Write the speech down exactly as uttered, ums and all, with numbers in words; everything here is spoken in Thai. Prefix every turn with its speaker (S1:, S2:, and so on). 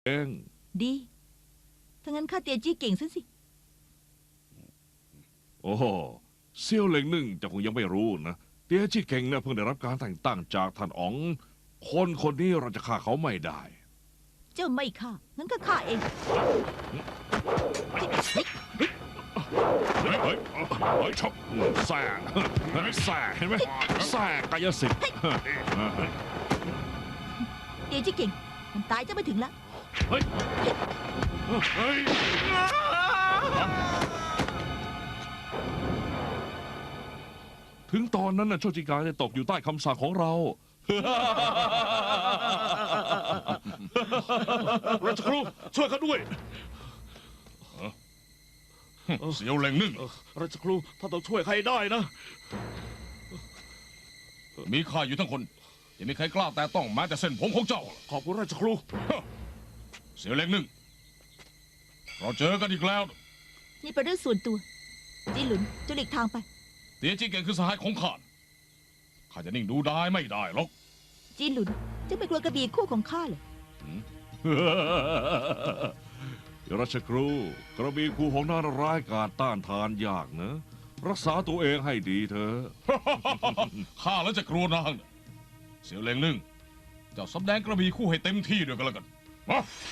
S1: เอง
S2: ดีถ้างั้นข้าเตียจี้เก่งซะสิ
S1: โอ้โหเซี่ยวเหล็งหนึ่งจะคงยังไม่รู้นะเตี้ยจี้เก่งเนี่ยเพิ่งได้รับการแต่งตั้งจากท่านอ๋องคนคนนี้เราจะฆ่าเขาไม่ได้
S2: เจ้าไม่ฆ่างั้นก็ฆ่าเอง
S1: เฮ้ยเฮ้ยเฮ้ยชอบแส่แส่เห็นไหมแส่กายสิทธิ์
S2: เตียจี้เก่งมันตายจะไม่ถึงละ
S1: เฮ้ยเฮ้ยถึงตอนนั้นน่ะโชจิกาจะตกอยู่ใต้คำสั่งของเรา
S3: ราชครูช่วยเขาด้วย
S1: เสียวเหล่งนึ่ง
S3: ราชครูท่านต้องช่วยใครได้นะ
S1: มีข้าอยู่ทั้งคนยังมีใครกล้าแต่ต้องแม้แต่เส้นผมของเจ้า
S3: ขอบคุณราชครู
S1: เสียวเหล่งนึ่งเราเจอกันอีกแล้ว
S2: นี่เป็นเรื่องส่วนตัวจีหลุนจะหลีกทางไป
S1: เตียจี้เก่งคือสหายของข้าข้าจะนิ่งดูได้ไม่ได้หรอก
S2: จีหลุนจะไม่กลัวกระบี่คู่ของข้าเลย
S1: ราชครูกระบี่คู่ของนางร้ายกาจต้านทานยากนะรักษาตัวเองให้ดีเถอะข้าแล้วจะกลัวนางเสียวเหล่งนึ่งเจ้าสำแดงกระบี่คู่ให้เต็มที่ด้วยกันแล้วกันมา